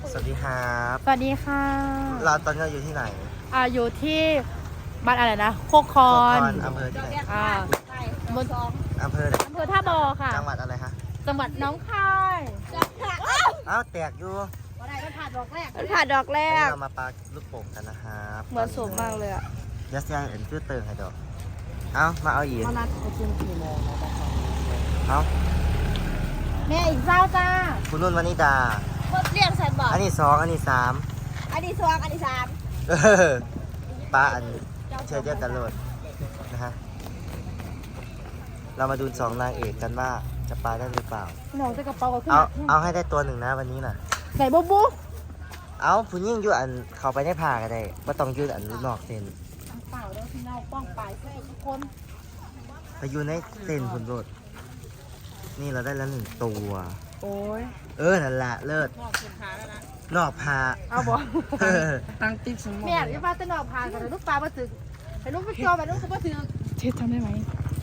สวัสดีครับสวัสดีค่ะเราตอนนี้อยู่ที่ไหนอยู่ที่บ้านอะไรนะโคกคอนอำเภอที่ไหนบนอำเภอไหนอำเภอท่าบอค่ะจังหวัดอะไรฮะจังหวัดน้องคายอ้าวแตกอยู่มันผ่านดอกแรกมันผ่าดอกแรวันนี้กเรามาปาลูกโป่งกันนะครับเหมือนสูงมากเลยอะยัสยาเห็นชื่อเติงให้ดอกเอามาเอาอีกเขานัดประชุมกี่โมงนะจ๊ะเอาแม่อีกเจ้าจ้าคุณนุ่นวนิดาเรียกฉันบอกอันนี้สองอันนี้สามอันนี้สองอันนี้สามเออปลาอันเชื่อเดียวกันเลยนะฮะเรามาดูสองนางเอกกันว่าจะปลาได้หรือเปล่าหนูจะกระเป๋าก็ขึ้นเอาให้ได้ตัวหนึ่งนะวันนี้น่ะใส่บุ๊บเอาผู้ยิ่งอยู่อันเขาไปได้ผ่ากันได้ว่าต้องยืดอันนอกเส้นเปล่าแล้วที่เน่าป้องปลายใส่ทุกคนไปอยู่ในเส้นผลโดดนี่เราได้แล้วหนึ่งตัวโอ้ยนั่นแหละเลิศนอกพาเอาบ่เออตั้งติ๊กสมองแม่ที่บ้านจะนอกพากันเลยลูกปลามาถึงไอ้ลูกไปจอไปลูกเขามาถึงเช็ดทำได้ไหม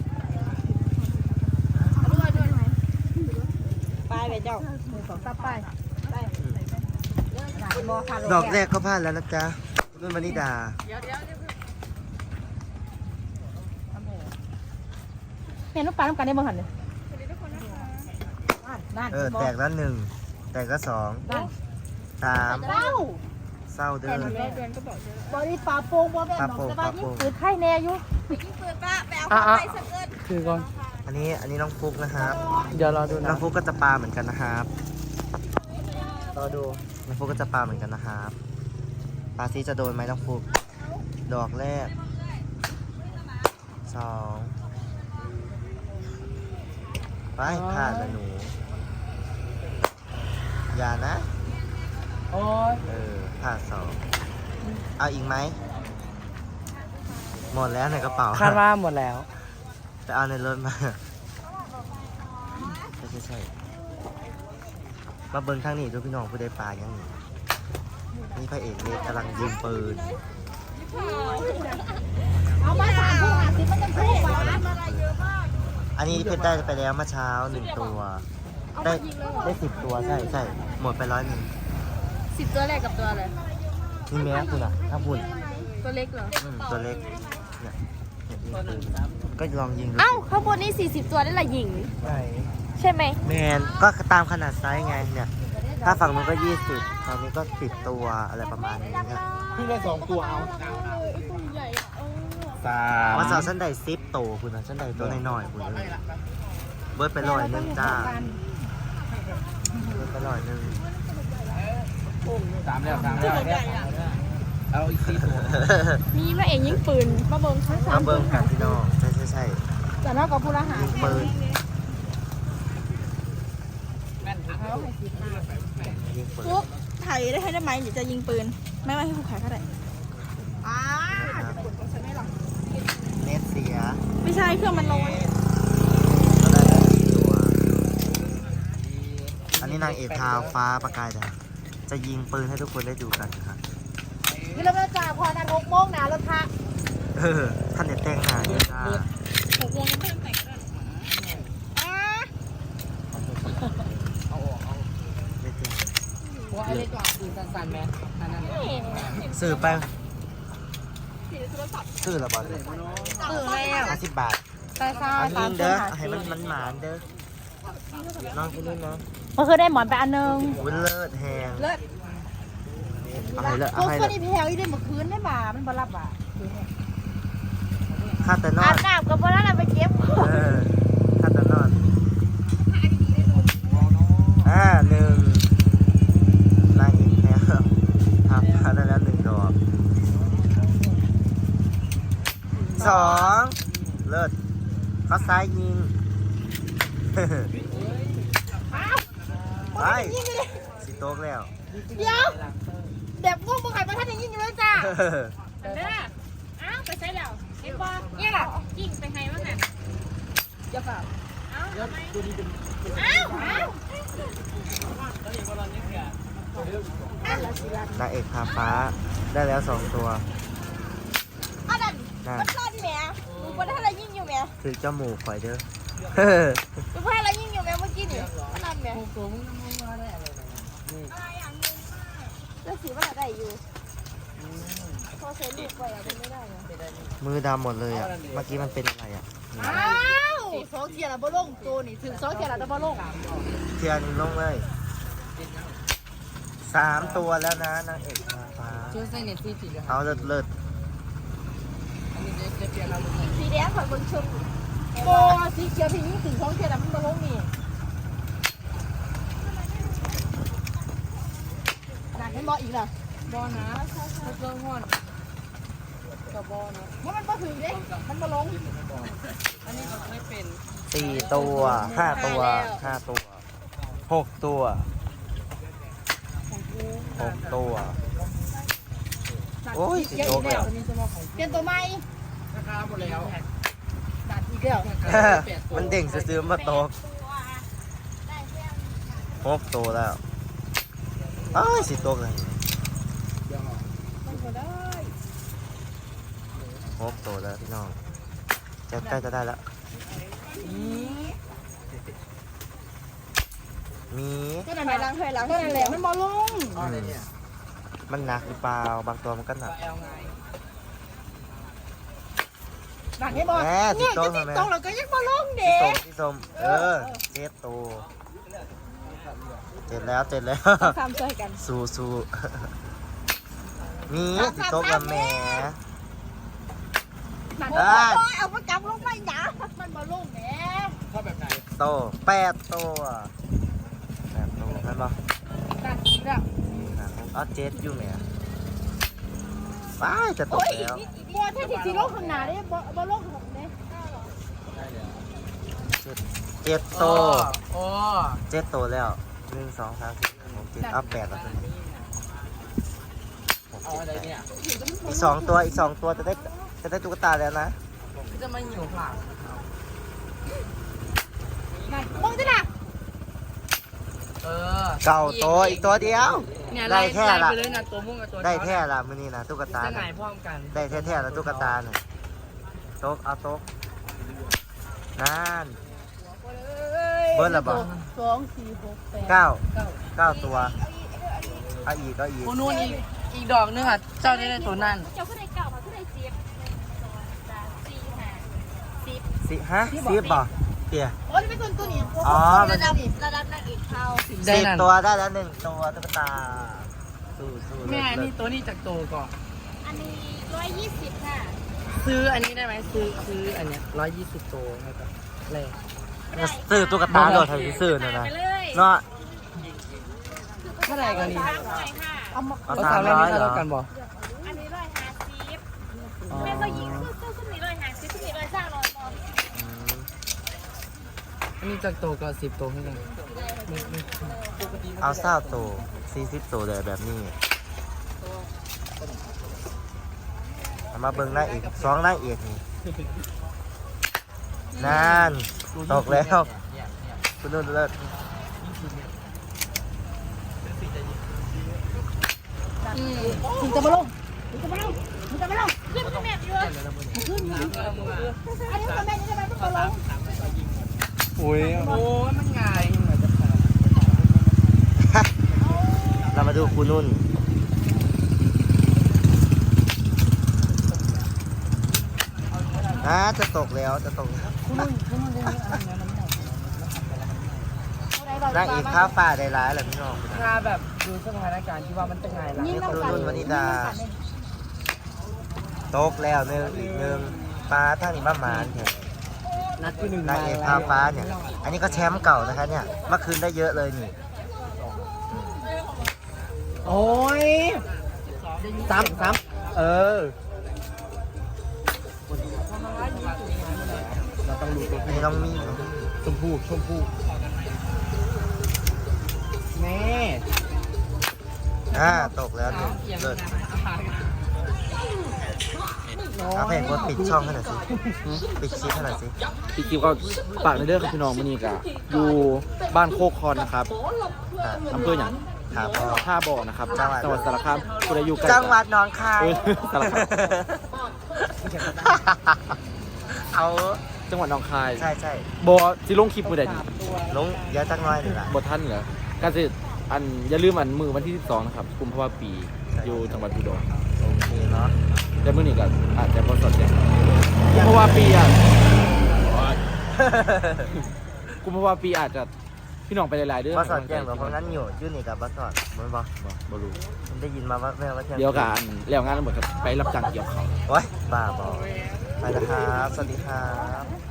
ไปไปเจ้าสองตาไปดอกแรกก็พลาดแล้วนะจ๊ะนุ่นวนิดาแม่ลูกปลาต้องการได้บ้างหันเลยนั่นแตกแล้วหนึ่งแตกแล้วสองสามเศร้าเศร้าเด้อบอดี้ปลาโป่งบอแม่หนองสบายยิ่งปืนไข่แน่อยู่ยิ่งปืนป้าไปเอาของไปสักเอิญคือก่อนอันนี้น้องฟุกนะครับเดี๋ยวรอดูน้นะองฟุกก็จะปลาเหมือนกันนะครับรอดูน้องฟุกก็จะปลาเหมือนกันนะครับปลาซีจะโดนไหมน้องฟุกดอกแรกสองไปผ่านแล้วหนูอย่านะโอ้ยผ่านสองเอาอีกไหมหมดแล้วในกระเป๋าคาดว่าหมดแล้วไปเอาในรถมาใช่มาเบิ้งข้างนี้ดูพี่น้องผู้ได้ปลายังนี่นี่พระเอกเล็กกำลังยิงปืนเอามา3 คู่50มันจะคู่ปลาอันนี้เพิ่งได้ไปแล้วเมื่อเช้า1 ตัว ได้10 ตัวใช่หมดไป100 10 ตัวแรกกับตัวอะไรนี่แม่คุณอ่ะถ้าคุณตัวเล็กเหรอตัวเล็กเนี่ยยิงปืนก็ลองยิงดูเอ้าข้างบนนี่40 ตัวได้ละหญิงไหนใช่ไหมแมนก็ตามขนาดไซส์ไงเนี่ย ถ้าฝั่งนู้นก็20ฝั่งนี้ก็10 ตัวอะไรประมาณนี้ครับเพิ่งได้2 ตัวเอาว่าสาวชั้นใด10 โตคุณนะชั้นใดตัวน้อยๆคุณเลยเบิร์ดไป100จ้าเบิร์ดไป100 3 แล้วเอาอีก4 ตัวมีพระเอกยิงปืนมาเบิ้งทั้งมาเบิ้งกันพี่น้องใช่แต่นอกกับผู้ละหายิงปืนยิงปืนฟุกถ่ายได้ให้ได้ไหมเดี๋ยวจะยิงปืน ไม่ให้ผู้ขายก็ได้เน็ตเสียไม่ใช่เครื่องมันร้อนก็ได้แล้ว4 ตัวอันนี้นางเอกทาวฟ้าประกายดาวจะยิงปืนให้ทุกคนได้ดูกันครับนี่เราจะจ่าพอนัด6 โมงนะรถพระท่านเด็ดแต่งหน้าเยอะจ้า 6 โมงยังไม่ต้องแต่งก็ได้หัวอะไรก่อนปืนสั่นๆแม่อันนั้นซื้อไปซื้อละบาทตื่นแล้ว 50 บาทใช่ใช่อันตานี้มเด้อให้มันหมานเด้อน้องคุณนุ่นเนาะมันคือได้หมอนไปอันนึงวุ้นเลิศแหงเลิศเอาให้เลิศพเอาวกให้คเลินศนี้แพลวอีได้เมื่อคืนได้บ่ามันบ่รับบ่าข้าแต่นออาบนน้ำกับพวกนั้นไปเก็บข้าแต่นอน1นางเอกแล้วครับพาได้แล้ว1 ดอก2เลิศเขาซ้ายยิงไปสิโต๊กแล้วเดี๋ยวแบบพวกมึงขายมาท่านยังยิ่งอยู่เลยจ้าเด้ออ้าวไปใช้แล้วเห็นบ่เนี่ยล่ะกิ่งไปให้มั้งน่ะอย่าเปล่าอ้าวอ้าวนางเอกพาฟ้าได้แล้ว2 ตัวอันนั้นนั่นมันรอดแหม่ดูว่าถ้าเรายิงอยู่แหม่คือเจ้าหมูข่อยเด้อดูว่าเรายิงอยู่แหม่เมื่อกี้นี่มันรอดแหม่ตัวมึงน้ำมันมาได้อะไรอะไรอย่างงงมากสีมันอะไรอยู่พอเซ็นลูกไปอ่ะมันไม่ได้เหรอมือดำหมดเลยอ่ะ เมื่อกี้มันเป็นอะไรอ่ะอ้าวสองเทียร์ละบ่ลงตัวนี่ถึงสองเทียร์ละบ่ลงเทียนลงเลย3 ตัวแล้วนะนางเอกนางฟ้าช่วยใส่เน็ตที่จีเลยเอาเลิศอันนี้จะเปลี่ยนเราลงไหนสีแดงข่อยบนชมโอ้สีเขียวพี่ยิ่งถึงสองเทียร์ละมันบ่ลงนี่หนักให้บ่อีกล่ะบอนะเครื่องห้อนกับบอนะมันบ่ถึงเด้มันบ่ลงอันนี้เขาไม่เป็น 4 ตัว 5 ตัว 5 ตัว 6 ตัว 6 ตัว โอ้ยสิโตกแล้วเปลี่ยนตัวใหม่ราคาหมดแล้วดัดอีกแล้วมันเด้งซื้อๆมาตก6 ตัวแล้วอ้ายสิตกเลย6 ตัวแล้วพี่น้องจะใกล้จะได้แล้วมีก็นั่นไปล้างถ้วยล้างก็นั่นแหละมันบ่ลงอะไรเนี่ยมันหนักหรือเปล่าบางตัวมันก็หนักแอลไงหนักให้บ่แม่เนี่ยสิโต๊ะจะติดทำไมตรงแล้วก็ยังบ่ลงพี่เด้ส้มพี่ส้ม7 ตัวเจ็ดแล้วทำช่วยกันสู้มีสิโต๊ะกับแม่หนักโอ้ยเอามาจับลงไปหนามันบ่ลงแหมชอบแบบไหนโต8 ตัว8 ตัวใช่ปะหนักอีกแล้วเอา7อยู่แม่ป้าจะตกแล้วบ่ถ้าสิลงข้างหน้าเด้บ่ลงข้างเด้ 7 ตัวโอ้ 7 ตัวแล้ว1 2 3 4 5 6 7เอา8แล้วตัวนี้เอาอะไรเนี่ยอีก2 ตัวจะได้ตุ๊กตาแล้วนะก็จะมาหิวผักหนักมึงจะหนักเออเก่าตัวอีกตัวเดียวเนี่ยได้ไล่แค่ละไปเลยนะตัวม่วงกับตัวได้แท้ละมื้อนี้นะตุ๊กตาจะไหนน่ะพร้อมกันได้แท้ๆแล้วตุ๊กตาน่ะโต๊ะเอาโต๊ะนั่นเบิ้ลละบ่ 2 4 6 8 9ตัวเอาอีกโอ้นู่นอีกดอกนึงอ่ะ เจ้าได้ตัวนั่นเจ้าขึ้นได้เก่ามาขึ้นได้10 1 2 3 4 5 สิบ่เตี่ยโอ้ยเป็นตัวนี้อ๋อมันระดับนางเอกเข้าได้ 10 นั่นตัวได้แล้ว1 ตัวตุ๊กตาสู้ๆแม่เลินี่ศตัวนี้จากโตก่อนอันนี้120ค่ะซื้ออันนี้ได้ไหมซื้ออันเนี้ย120ตัวนะครับแรกๆซื้อตุ๊กตาโดดให้ซื้อน่ะนะไปเลยเนาะเท่าไหร่กันนี่ 300ค่ะเอามาเอาเอาสามร้อย 300เหรอเท่ากันบ่อันนี้150 อ๋อแม่ก็ยิงคือขึ้นนี้150ขึ้นนี้130บอลอืมอันนี้จากโตก็10ตัวให้กันไม่เอา20ตัว40ตัวเลยแบบนี้เอามาเบิ่งหน้าเอก2หน้าเอกนี่นั่นตกแล้วคุณนุ่นเลิศถึงจะมาลงถึงจะมาลงถึงจะมาลงขึ้นขึ้นแบบเยอะอันนี้มันแม่นี่ได้ไหมมันก็ลงโอ้ยโอ้ยมันง่ายเรามาดูคุณนุ่นจะตกแล้วนางเอกข้าวฝ่าได้ร้ายแหละพี่น้องถ้าแบบดูสถานการณ์ที่ว่ามันจะง่ายละนี่คือนุ่นวนิดาตกแล้วอีกหนึ่งปลาท่านี่มาหมานเนี่ยนัดที่1 นางเอกข้าวฟ้าเนี่ย อันนี้ก็แชมป์เก่านะคะเนี่ยเมื่อคืนได้เยอะเลยนี่โอ้ย3เออเราต้องรู้ตัวอันนี้น้องมี่ชมพู่แม่ตกแล้วหนึ่งเลิศเอาเพลงว่าปิดช่องให้หน่อยสิปิดคลิปให้หน่อยสิพี่กิฟก็ฝากในเรื่องของพี่น้องมันนี่กะอยู่บ้านโคกคอนนะครับอำเภออย่างครับพ่อท่าบ่อนะครับจังหวัดจังหวัดสารคามคุณอายุใกล้จังหวัดหนองคายสารคามเอาจังหวัดหนองคายใช่บ่สิลงคลิปมือใดดีลงเดี๋ยวจักหน้อยหนึ่งละบ่ทันเหรอการสิอันอย่าลืมอันมือวันที่12นะครับกุมภาวะปีอยู่จังหวัดอุดรโอเคเนาะแต่มื้อนี้ก็อาจจะบ่สดแจ้งกุมภาวะปีอ่ะกุมภาวะปีอาจจะพี่น้องไปหลายๆเด้อบัสสอดแจ้งแบบเพราะงั้นอยู่นี่กับบัสสอดมันบอกบ่รู้มันได้ยินมาว่าแม่ว่าแจ้งเดี๋ยวกันแล้วงานทั้งหมดครับไปรับจ้างเกี่ยวเขาวโอ้ยบ้าบอไปนะครับ สวัสดีครับ